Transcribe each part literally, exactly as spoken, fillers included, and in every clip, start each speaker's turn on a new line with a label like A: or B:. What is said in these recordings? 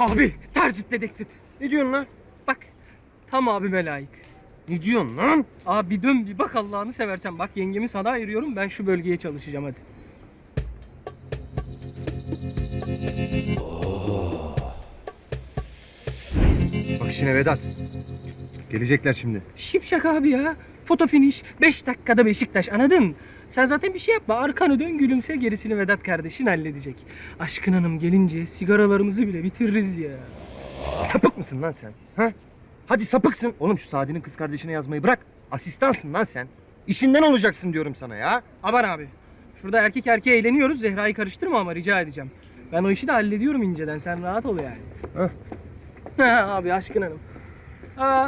A: Abi tercih dedektif.
B: Ne diyorsun lan?
A: Bak tam abime layık.
B: Ne diyorsun lan?
A: Abi bir dön bir bak Allah'ını seversen. Bak yengemi sana ayırıyorum, ben şu bölgeye çalışacağım hadi.
B: Bak işine Vedat. Gelecekler şimdi.
A: Şipşak abi ya. Foto finish. Beş dakikada Beşiktaş, anladın? Sen zaten bir şey yapma. Arkanı dön, gülümse, gerisini Vedat kardeşin halledecek. Aşkın Hanım gelince sigaralarımızı bile bitiririz ya.
B: Sapık mısın lan sen? Ha? Hadi sapıksın. Oğlum şu Sadi'nin kız kardeşine yazmayı bırak. Asistansın lan sen. İşinden olacaksın diyorum sana ya.
A: Aman abi. Şurada erkek erkeğe eğleniyoruz. Zehra'yı karıştırma ama rica edeceğim. Ben o işi de hallediyorum inceden. Sen rahat ol yani.
B: Heh.
A: Abi Aşkın Hanım. Aa.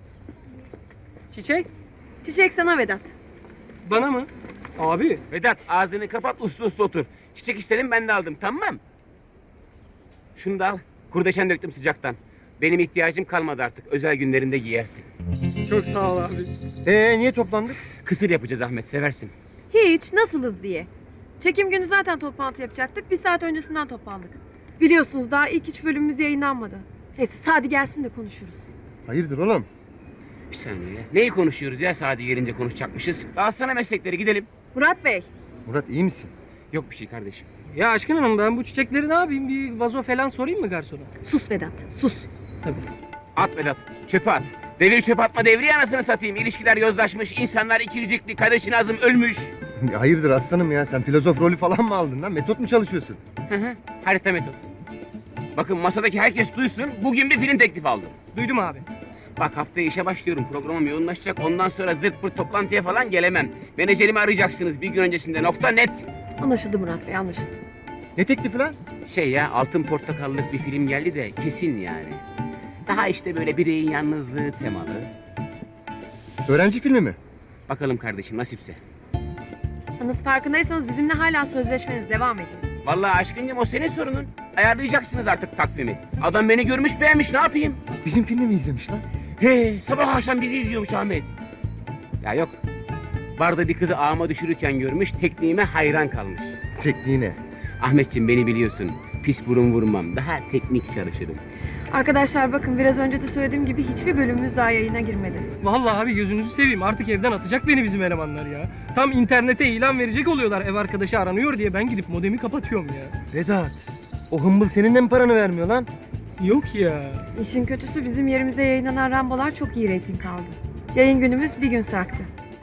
A: Çiçek.
C: Çiçek sana Vedat.
A: Bana mı? Abi.
D: Vedat ağzını kapat, uslu uslu otur. Çiçek istedim, ben de aldım, tamam. Şunu da al. Kurdeşen döktüm sıcaktan. Benim ihtiyacım kalmadı artık. Özel günlerinde giyersin.
A: Çok sağ ol abi.
B: Ee niye toplandık?
D: Kısır yapacağız Ahmet, seversin.
C: Hiç, nasılız diye. Çekim günü zaten toplantı yapacaktık. Bir saat öncesinden toplandık. Biliyorsunuz daha ilk üç bölümümüz yayınlanmadı. Neyse Sadi gelsin de konuşuruz.
B: Hayırdır oğlum?
D: Bir saniye. Neyi konuşuyoruz ya, Sadi gelince konuşacakmışız. Dağıtsana meslekleri, gidelim.
C: Murat Bey.
B: Murat iyi misin?
D: Yok bir şey kardeşim.
A: Ya Aşkın Hanım, ben bu çiçekleri ne yapayım? Bir vazo falan sorayım mı garsona?
C: Sus Vedat, sus.
A: Tabii.
D: At Vedat, çöpe at. Devir çöpe atma devri, anasını satayım. İlişkiler yozlaşmış, insanlar ikircikli, kadeşin azım ölmüş.
B: Ya hayırdır aslanım ya? Sen filozof rolü falan mı aldın lan? Metot mu çalışıyorsun?
D: Hı hı, harita metot. Bakın masadaki herkes duysun, bugün bir film teklifi aldım.
A: Duydum abi.
D: Bak haftaya işe başlıyorum, programım yoğunlaşacak. Ondan sonra zırt pırt toplantıya falan gelemem. Menajerimi arayacaksınız bir gün öncesinde, nokta net.
C: Anlaşıldı Murat Bey, anlaşıldı.
B: Ne teklifi lan?
D: Şey ya, Altın Portakallık bir film geldi de kesin yani. Daha işte böyle bireyin yalnızlığı temalı.
B: Öğrenci filmi mi?
D: Bakalım kardeşim, nasipse.
C: Yalnız farkındaysanız bizimle hala sözleşmeniz devam ediyor.
D: Vallahi aşkıncım, o senin sorunun. Ayarlayacaksınız artık takvimi. Adam beni görmüş beğenmiş, ne yapayım?
B: Bizim filmi mi izlemiş lan?
D: He, sabah akşam bizi izliyormuş Ahmet. Ya yok, barda bir kızı ağıma düşürürken görmüş, tekniğime hayran kalmış.
B: Tekniğine.
D: Ahmetciğim beni biliyorsun, pis burun vurmam, daha teknik çalışırım.
C: Arkadaşlar bakın biraz önce de söylediğim gibi hiçbir bölümümüz daha yayına girmedi.
A: Vallahi abi gözünüzü seveyim. Artık evden atacak beni bizim elemanlar ya. Tam internete ilan verecek oluyorlar, ev arkadaşı aranıyor diye. Ben gidip modemi kapatıyorum ya.
B: Vedat. O hımbıl senin de mi paranı vermiyor lan?
A: Yok ya.
C: İşin kötüsü bizim yerimizde yayınlanan Rambolar çok iyi reyting aldı. Yayın günümüz bir gün sarktı.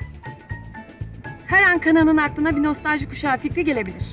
C: Her an kanalın aklına bir nostalji kuşağı fikri gelebilir.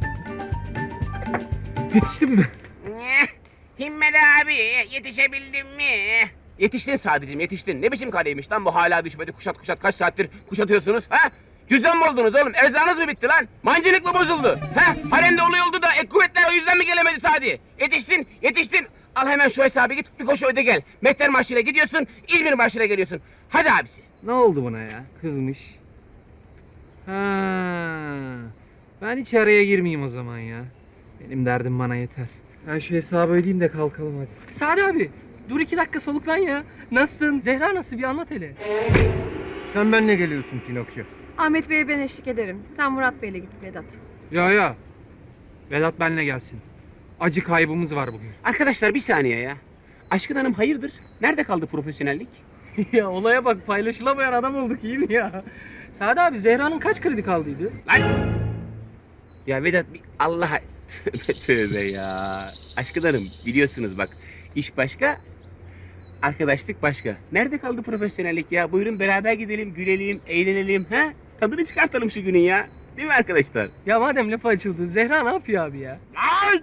A: Yetiştim mi?
D: Himmeli abi, yetişebildin mi? Yetiştin sadece, yetiştin. Ne biçim kaleymiş lan bu, hala düşmedi, kuşat kuşat kaç saattir kuşatıyorsunuz ha? Cüzdan mı oldunuz oğlum? Erzağınız mı bitti lan? Mancınık mı bozuldu? Ha? Haremde olay oldu da ek kuvvetler o yüzden mi gelemedi Sadi? Yetiştin, yetiştin. Al hemen şu hesabı, git bir koşu öde gel. Mehter Marşı'yla gidiyorsun, İzmir Marşı'yla geliyorsun. Hadi abisi.
E: Ne oldu buna ya? Kızmış. Ha. Ben hiç araya girmeyeyim o zaman ya. Benim derdim bana yeter. Ben şu hesabı ödeyeyim de kalkalım hadi.
A: Sadi abi, dur iki dakika soluklan ya. Nasılsın? Zehra nasıl? Bir anlat hele.
B: Sen benimle geliyorsun Pinokyo.
C: Ahmet Bey'e ben eşlik ederim. Sen Murat Bey'le git Vedat.
E: Ya ya. Vedat benle gelsin. Acı kaybımız var bugün.
D: Arkadaşlar bir saniye ya. Aşkın Hanım hayırdır? Nerede kaldı profesyonellik?
A: Ya olaya bak, paylaşılamayan adam olduk, iyi mi ya? Sadi abi, Zehra'nın kaç kredi kaldıydı?
D: Lan! Ya Vedat bir Allah'a tövbe tövbe ya. Aşkın Hanım biliyorsunuz bak, iş başka, arkadaşlık başka. Nerede kaldı profesyonellik ya? Buyurun beraber gidelim, gülelim, eğlenelim ha? Tadını çıkartalım şu günün ya. Değil mi arkadaşlar?
A: Ya madem lafı açıldı, Zehra ne yapıyor abi ya?
D: Ay!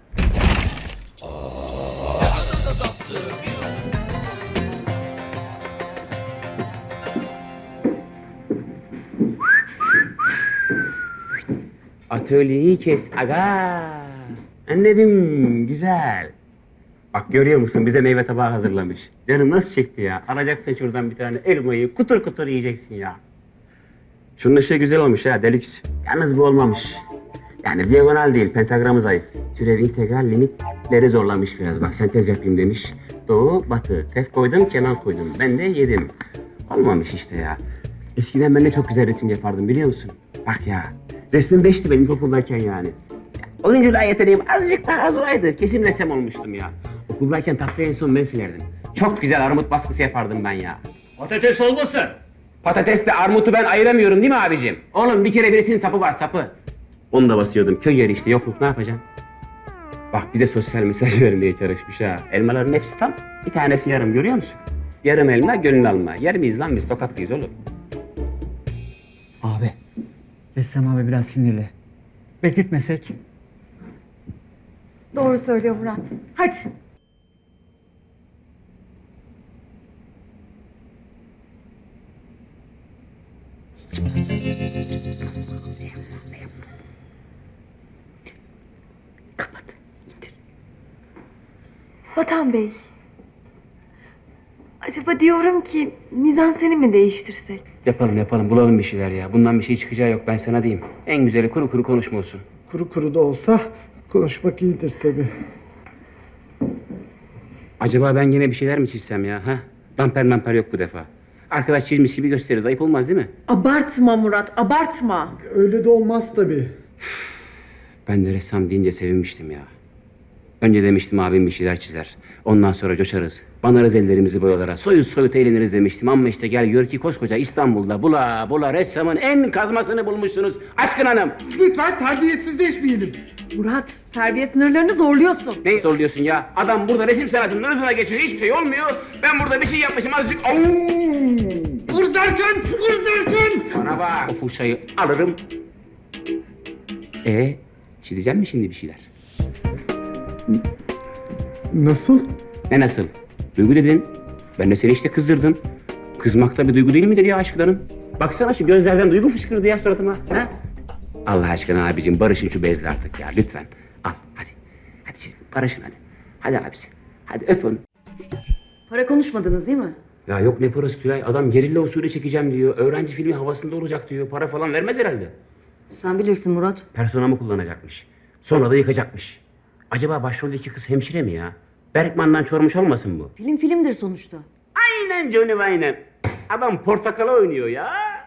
D: Atölyeyi kes aga. Anladım, güzel. Bak görüyor musun, bize meyve tabağı hazırlamış. Canım nasıl çekti ya. Alacaksın şuradan bir tane elmayı, kutur kutur yiyeceksin ya. Şunun ışığı güzel olmuş ha, deluxe. Yalnız bu olmamış. Yani diagonal değil, pentagramı zayıf. Türev integral limitleri zorlamış biraz. Bak sentez yapayım demiş. Doğu, batı. Tef koydum, kenar koydum. Ben de yedim. Olmamış işte ya. Eskiden ben de çok güzel resim yapardım biliyor musun? Bak ya. Resmim beşti benim ilkokuldayken yani. Oyunculuğa yeteneğim azıcık daha az olaydı. Kesin ressam olmuştum ya. Okul Okuldayken tahtayı en son ben silerdim. Çok güzel armut baskısı yapardım ben ya.
F: Patates olmasın.
D: Patatesle armutu ben ayıramıyorum değil mi abicim? Oğlum bir kere birisinin sapı var sapı. Onu da basıyordum. Köy yeri işte yokluk ne yapacaksın? Bak bir de sosyal mesaj vermeye çalışmış ha. Elmaların hepsi tam. Bir tanesi yarım görüyor musun? Yarım elma gönül alma. Yer miyiz lan biz tokatlıyız oğlum.
G: Abi, Ressam abi biraz sinirli. Bekletmesek.
C: Doğru söylüyor Murat. Hadi. Kapat. İndir. Vatan Bey. Acaba diyorum ki mizanseni mi değiştirsek?
D: Yapalım yapalım bulalım bir şeyler ya. Bundan bir şey çıkacağı yok ben sana diyeyim. En güzeli kuru kuru konuşma olsun.
H: Kuru kuru da olsa konuşmak iyidir tabii.
D: Acaba ben yine bir şeyler mi çizsem ya? Ha? Damper mamper yok bu defa. Arkadaş çizmiş gibi gösteririz. Ayıp olmaz değil mi?
I: Abartma Murat, abartma.
H: Öyle de olmaz tabii.
D: Ben de ressam deyince sevinmiştim ya. Önce demiştim abim bir şeyler çizer. Ondan sonra coşarız. Banarız ellerimizi boyalara. Soyuz soyut eğleniriz demiştim. Ama işte gel gör ki koskoca İstanbul'da bula bula ressamın en kazmasını bulmuşsunuz. Aşkın hanım.
H: Lütfen terbiyesizleşmeyelim.
I: Murat, terbiye sınırlarını zorluyorsun.
D: Ne zorluyorsun ya? Adam burada resim sanatının ırzına geçiyor. Hiçbir şey olmuyor. Ben burada bir şey yapmışım azıcık. Au!
H: Irz derken, ırz derken.
D: Bana bak. O fırçayı alırım. E çizeceğim mi şimdi bir şeyler?
H: Nasıl?
D: Ne nasıl? Duygu dedin. Ben de seni işte kızdırdım. Kızmak da bir duygu değil midir ya aşklarım? Baksana şu gözlerden duygu fışkırdı ya suratıma. Ha? Allah aşkına abicim barışın şu bezle artık ya lütfen. Al hadi. Hadi siz barışın hadi. Hadi abisi. Hadi öp onu.
I: Para konuşmadınız değil mi?
D: Ya yok ne parası Tülay. Adam gerilla usulü çekeceğim diyor. Öğrenci filmi havasında olacak diyor. Para falan vermez herhalde.
I: Sen bilirsin Murat.
D: Personamı kullanacakmış. Sonra da yıkacakmış. Acaba başroldeki kız hemşire mi ya? Berkman'dan çormuş olmasın bu?
I: Film filmdir sonuçta.
D: Aynen Johnny aynen. Adam portakala oynuyor ya.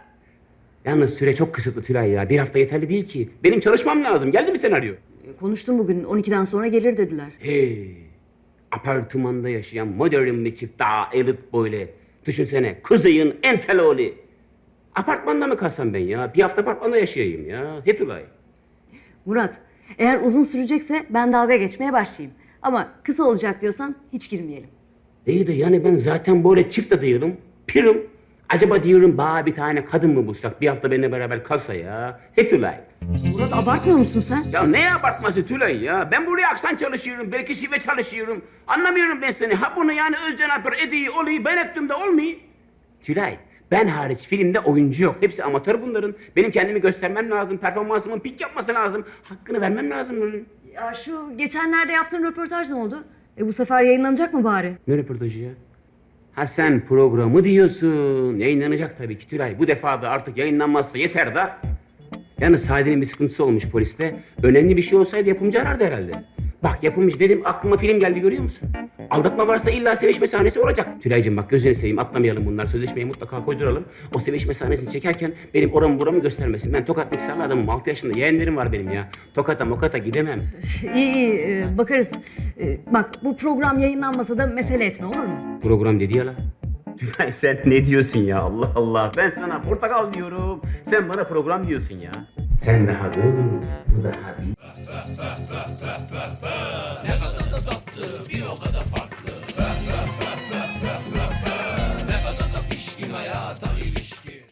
D: Yalnız süre çok kısıtlı Tülay ya. Bir hafta yeterli değil ki. Benim çalışmam lazım. Geldi mi senaryo?
I: E, konuştum bugün, on ikiden sonra gelir dediler.
D: Hey. Apartmanda yaşayan modern bir çift daha elit böyle. Düşünsene kızıyın en tel oğlu. Apartmanda mı kalsam ben ya? Bir hafta apartmanda yaşayayım ya. He Tülay.
I: Murat, eğer uzun sürecekse ben dalga geçmeye başlayayım. Ama kısa olacak diyorsan hiç girmeyelim.
D: İyi de yani ben zaten böyle çift de değilim. Pirim. Acaba diyorum bana bir tane kadın mı bulsak bir hafta benimle beraber kalsa ya. He Tülay.
I: Murat abartmıyor musun sen?
D: Ya ne abartması Tülay ya? Ben buraya aksan çalışıyorum, belki şive çalışıyorum. Anlamıyorum ben seni. Ha bunu yani Özcan Alper ediyi olayı ben ettim de olmayı. Tülay, ben hariç filmde oyuncu yok. Hepsi amatör bunların. Benim kendimi göstermem lazım, performansımın pik yapması lazım. Hakkını vermem lazım bunun.
I: Ya şu geçenlerde yaptığın röportaj ne oldu? E bu sefer yayınlanacak mı bari?
D: Ne röportajı ya? Ha sen programı diyorsun. Yayınlanacak tabii ki Tülay. Bu defa da artık yayınlanmazsa yeter da. Yalnız Sadi'nin bir sıkıntısı olmuş poliste. Önemli bir şey olsaydı yapımcı arardı herhalde. Bak yapımcı dedim aklıma film geldi görüyor musun? Aldatma varsa illa sevişme sahnesi olacak. Tülay'cığım bak gözünü seveyim atlamayalım bunlar. Sözleşmeyi mutlaka koyduralım. O sevişme sahnesini çekerken benim oramı buramı göstermesin. Ben Tokat mikserli adamım. altı yaşında yeğenlerim var benim ya. Tokata mokata gidemem.
I: iyi iyi e, bakarız. E, bak bu program yayınlanmasa da mesele etme olur mu?
D: Program dedi ya la. Tülay sen ne diyorsun ya Allah Allah. Ben sana portakal diyorum. Sen bana program diyorsun ya. Sen daha dur. Bu daha